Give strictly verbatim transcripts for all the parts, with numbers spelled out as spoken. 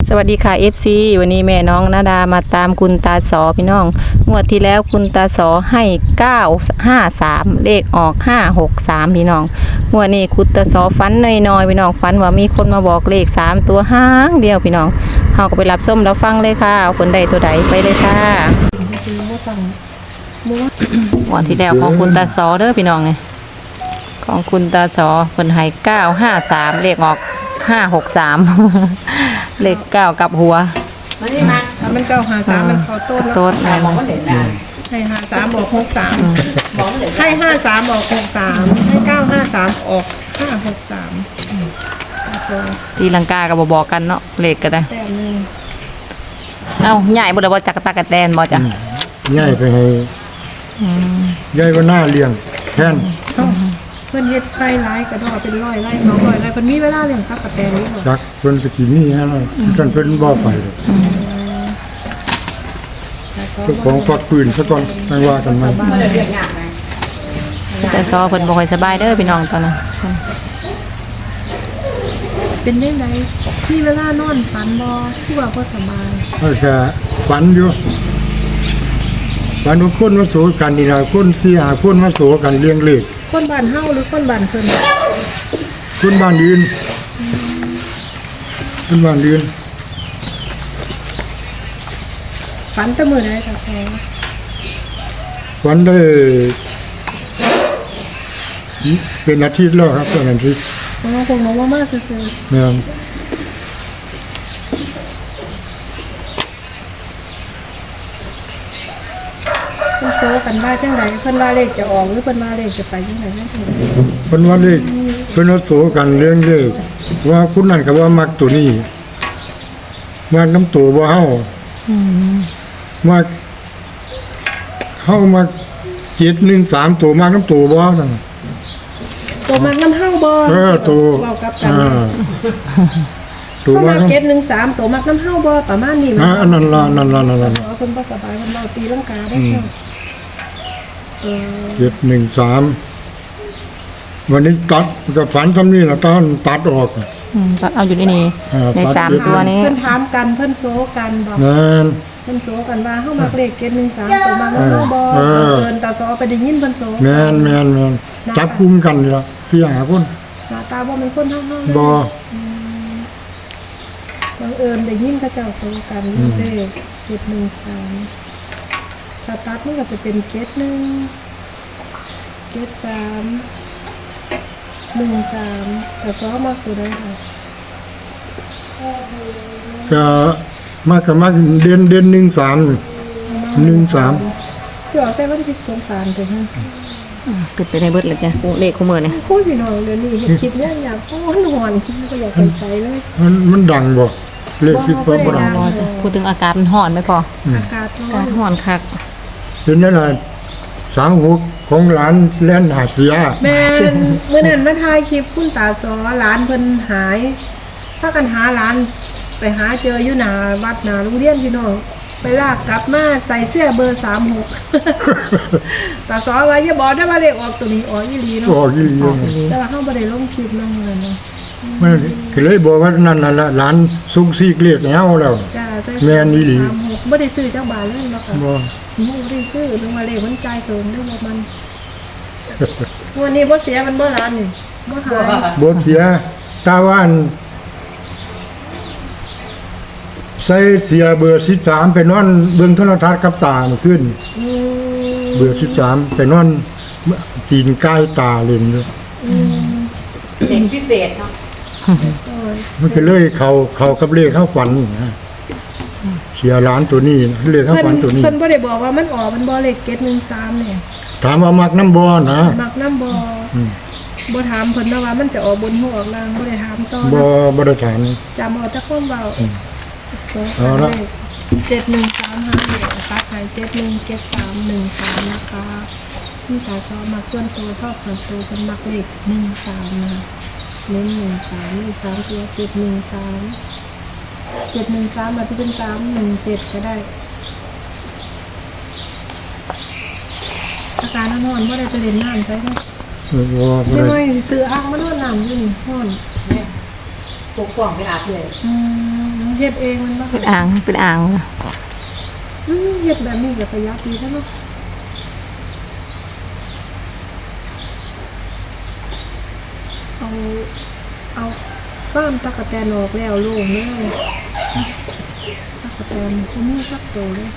สวัสดีค่ะ เอฟ ซี วันนี้แม่น้องนาดามาตามคุณตาสอพี่น้องงวดที่แล้วคุณตาสอให้เก้า ห้า สามเลขออกห้า หก สามพี่น้องงวดนี้คุณตาสอฝันน้อยๆพี่น้องฝันว่ามีคนมาบอกเลขสามตัวห้างเดียวพี่น้องเฮาก็ไปรับส้มแล้วฟังเลยค่ะเอาคนใดตัวใดไปเลยค่ะงวดที่แล้วของคุณตาสอเด้อพี่น้องไงของคุณตาสอเพิ่นให้เก้า ห้า สามเลขออกห้า หก สาม เลขเก้ากับหัวมันนี่มาถ้ามันเก้าหาสามมันพอต้นแล้วต้นแม่นให้ห้าสามออกหกสามให้ห้าสามออกหกสามให้เก้าห้าสามออกห้าหกสามตีลังกากับบอกกันเนาะเลขก็ได้แต่หนึ่งเอ้าใหญ่บ่ได้บ่จักตากระแตนบ่จ้ะใหญ่ไปให้ใหญ่ว่าหน้าเลี้ยงแทนเพิ่นเฮ็ดไร่หลายกระดอเป็นร้อยไร่สองร้อยไร่เพิ่นมีเวลาเลี้ยงตั๊กแตนนี่บ่จักเพิ่นก็สิมีฮะล่ะท่านเพิ่นบ่ไปหรอกเจ้าของฝักปืนซะก่อนไม่ว่ากันใหม่แต่ซอเพิ่นบ่ค่อยสบายเด้อพี่น้องตอนนั้นเป็นได้ไดมีเวลานอนฝันบ่คือว่าบ่สบายเออก็ฝันอยู่ฝันว่าคนมาโสกันนี่ล่ะคนสี่ห้าคนมาโสกันเลี้ยงเลขคนบ้านเฮาหรือคนบ้านเพิ่นคนบ้านอื่นคนบ้านอื่นฝันแต่มื้อใดคะแซ่ฝันได้เป็นอาทิตย์แล้วครับเป็นอาทิตย์อ๋อคงน้องว่ามาซื่อๆแม่นเพิ่นโซกันว่าจังไดเพิ่นว่าเลขจะออกหรือเพิ่นว่าเลขจะไปจังไดจังไดเพิ่นว่าเลขเพิ่นว่าโสกันเรื่องเลขว่าคุณนั่นก็ว่ามักตัวนี้มักน้ำตัวบ่เฮาอืมมักเฮามักเจ็ด หนึ่ง สามตัวมักน้ำตัวบ่ซั่นตัวมักน้ำเฮาบ่เออตัวเว้ากับกันตัวมักเจ็ด หนึ่ง สามตัวมักน้ำเฮาบ่ประมาณนี้มั้ยอันนั้นล่ะนั่นล่ะนั่นล่ะเพิ่นบ่สบายเพิ่นเว้าตีลังกาได้เนาะเออเจ็ด หนึ่ง สามวันนี้ตัดก็ฝันคำนี้ล่ะตอนตัดออกอืมตัดเอาอยู่ในนี้ในสามตัวนี้เพิ่นถามกันเพิ่นโซกันบ่แม่นเพิ่นโซกันว่าเฮามักเลขเจ็ด หนึ่ง สามตัวมักน้ำเฮาบ่เอิ้นตาซอไปได้ยินเพิ่นโซแม่นแม่นแม่นจับกุมกันนี่ล่ะสี่ห้าคนหน้าตาบ่เป็นคนเฮาๆบ่บังเอิญได้ยินเขาเจ้าโซกันเลขเจ็ด หนึ่ง สามถ้าตัดมันก็จะเป็นเจ็ด หนึ่ง เจ็ด สาม หนึ่ง สามแต่ซ้อมากตัวได้ค่ะก็มากก็มากเดือนเดือนหนึ่งสามหนึ่งสามเสือใส่วันที่สงสารถึงฮะเกิดไปในเบิดเลยจ้ะเลขคู่มือเนี่ยโคตรพี่น้องเดี๋ยวนี้คิดเนี่ยอยากฮ้อนหอนก็อยากไปใส่เลยมันมันดังบ่เลขคิดบ่บ่ดังพูดถึงอากาศมันร้อนไหมพออากาศร้อนร้อนคักเป็นนั่นน่ะสามหกของหลานแล่นหาเสียแม่เมื่อนั้นมาถ่ายคลิปคุณตาซอหลานเพิ่นหายพากันหาหลานไปหาเจออยู่หน้าวัดหน้าโรงเรียนพี่น้องไปลากกลับมาใส่เสื้อเบอร์สามหกตาซอว่าอย่าบอกได้ว่าเลขออกตัวนี้ออกอีหลีเนาะออกอีหลีแต่ว่าเฮาบ่ได้ลงคลิปลงเงินเนาะมันก็เลยบอกว่านั่นน่ะหลานสุกซีกเรียกแล้วแล้วจ้าใส่แม่นอีหลีสามหกบ่ได้ซื้อจักบาทเลยเนาะค่ะบ่บ่ได้ซื้อลงมาเลขมันจ่ายเกินได้บ่มันวันนี้บ่เสียมันบ่ล้านนี่บ่หายบ่เสียตาว่านใส่เสียเบอร์สิบสามไปนอนเบิ่งโทรทัศน์กับตาเมื่อคืนอืมเบอร์สิบสามไปนอนจีนใกล้ตาเล่นอยู่อืมเด็กพิเศษเนาะมันก็เลยเขาเขากับเลขเข้าฝันนะเสียร้านตัวนี้เลขเข้าฝันตัวนี้เพิ่นบ่ได้บอกว่ามันออกมันบ่เลขเจ็ด หนึ่ง สามเนี่ยถามว่ามักน้ำบ่นะมักน้ำบ่บ่ถามเพิ่นนะว่ามันจะออกบนหัวออกล่างบ่ได้ถามต่อบ่บ่ได้ถามจำเอาแต่ความเว้าเอาละเจ็ด หนึ่ง สาม ห้าเนี่ยตัดให้เจ็ด หนึ่ง เจ็ด สาม หนึ่ง สามนะคะนี่ตาชอบมักส่วนตัวชอบส่วนตัวเพิ่นมักเลขหนึ่ง สามนะคะเน้นหนึ่ง สามนี่สามตัวเจ็ด หนึ่ง สามเจ็ด หนึ่ง สามมาที่เป็นสาม หนึ่ง เจ็ดก็ได้อาการนอนบ่ได้ไปเล่นน้ำไปเนาะไม่ไม่ซื้ออ่างมานอนน้ำอยู่นี่นอนปกป้องไปอาบเลยอืมเฮ็ดเองมันบ่เป็นอ่างเป็นอ่างอืมเฮ็ดแบบนี้ก็ประหยัดดีแล้วเนาะเอาเอาฟ้ามตะกะแตนออกแล้วโล่งเลยตะกะแตนบ่มีสักตัวเลย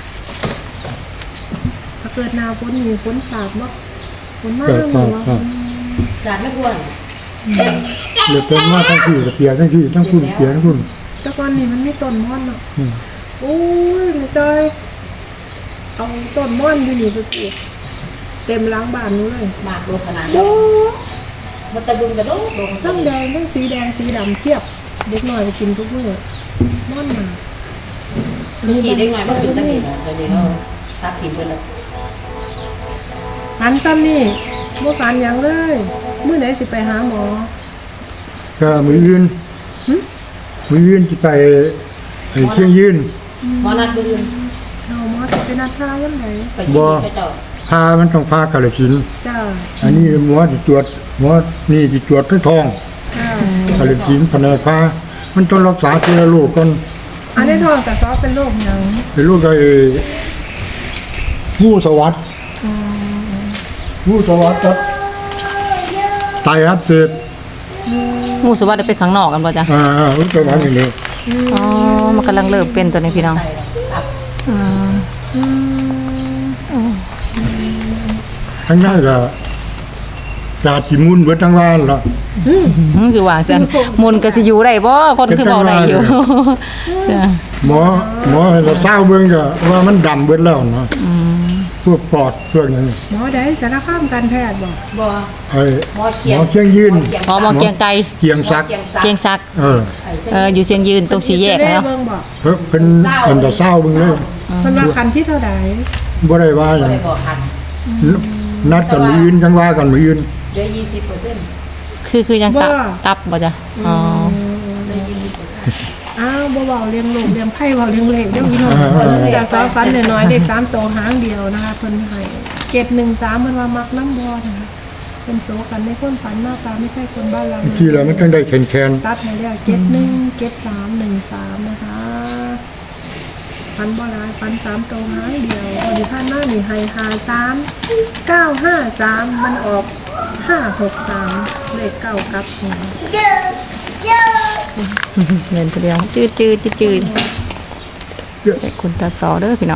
ถ้าเกิดหน้าฝนมีฝนสาดเนาะฝนมาก็เรื่องก็นี้ว่าก็สารไม่ควรเลยเป็นมาทั้งที่กับเปียกทั้งที่ทั้งคุณเปียกทั้งคุณแต่ก่อนนี้มันมีต้นม่อนเนาะอืมโอ้ยแม่จอยเอาต้นม่อนอยู่นี่ไปปลูกเต็มล้างบ้านนู้นเลยมากโลขนาดโอ้มันตะดุงกระโดดลงทั้งแดงทั้งสีแดงสีดำเทียบเด็กหน่อยไปกินทุกมื้อม่อนมาลูกกี่ได้ไงว่ากินตั้งนี่นะเดี๋ยวเขาตัดทิ้งไปแล้วฟันซ้ำนี่บ่ฟันหยังเลยมื้อไหนสิไปหาหมอก็มือยืนหึมือยืนจะไปไอ้เชียงยืนหมอนัดไปยืนเอาหมอสิไปนัดทายังไงไปที่นี่ไปเจ้าพามันต้องพากาลสินธุ์จ้าอันนี้หมอที่ตรวจหมอนี่ที่ตรวจทั้งทองจ้ากาลสินธุ์แผนกพามันต้องรักษาทีละโรคก่อนอันนี้ท้องกระซอเป็นโรคหยังเป็นโรคไอ้งูสวัสดงูสวัสดครับไตอักเสบงูสวัสดิ์ได้ไปข้างนอกกันบ่จ้ะอ่างูสวัสดนี่เลยอ๋อมันกำลังเริ่มเป็นตัวนี้พี่น้องไปอับอืมอืมทั้งนั้นก็จาจิมุนเบิดทั้งว่านละอืมคือว่าจังมุนก็สิอยู่ได้บ่คนคือเว้าได้อยู่จ้ะหมอหมอให้เราเศร้าเบิ่งก็ว่ามันดำเบิดแล้วเนาะอืมพวกปอดพวกนั้นหมอได้สารคามการแพทย์บอกบ่ไอ้หมอหเขียมงอเชียงยืนพอหมอเกียงไกรเกียงซักเกียงซักเออเอออยู่เชียงยืนตรงสี่แยกแล้วเบิ่งบอกเพิ่นเพิ่นเพิ่นจะเศร้าเบิ่งเลยมันว่าคันที่เท่าใดบ่ได้ว่าหบ่ยังได้บอกคันนัดกันมื้ออื่นจังว่ากันมื้ออื่นเดี๋ยวยี่สิบเปอร์เซ็นต์คือคือยังตับตับบ่จ้ะอ๋อเดี๋ยวยี่สิบเปอร์เซ็นต์อ้าวบ่เว้าเลี้ยงลูกเลี้ยงไผ่เว้าเลี้ยงเลขเด้อพี่น้องจากสาวฟันน้อยๆเด็กสามโตวหางเดียวนะคะเพิ่นให้เจ็ดหนึ่งสามเพิ่นว่ามักน้ำบ่นะคะเพิ่นโซกันในคนฝันหน้าตาไม่ใช่คนบ้านเราที่แล้วมันจังได้แข็งตัดให้แล้วเจ็ดหนึ่งเจ็ดสามหนึ่งสามนะคะฟันบ่หลายฟันสามโตวหางเดียวพอดีผ่านมานี่ให้ห้าสามเก้าห้าสามมันออกห้าหกสามเลขเก้ากับหัวเงินตัวเดียวจืดจืดจืดจืดๆแต่คุณตาสอเด้อพี่น้อง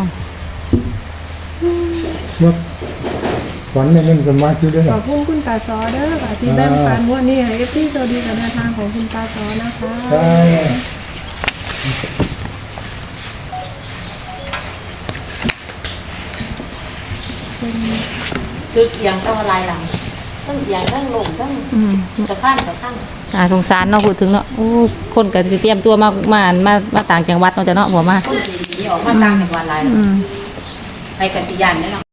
ว่าฝันเนี่ยมันก็มาอยู่ได้ขอบคุณคุณตาซอเด้อค่ะที่แบ่งปันวันนี้ให้เอฟซีโซดีกับแนวทางของคุณตาซอนะคะใช่คือเสียงต้องอะไรหลังทั้งเสียงทั้งลมทั้งอืมกระข้างกระข้างอ่าสงสารเนาะพูดถึงเนาะโอ้คนก็สิเตรียมตัวมามามามาต่างจังหวัดเนาะจ้ะเนาะบ่มาต้นสีออกมาตั้งในวันไรอืมไปกันที่ยันแน่นอน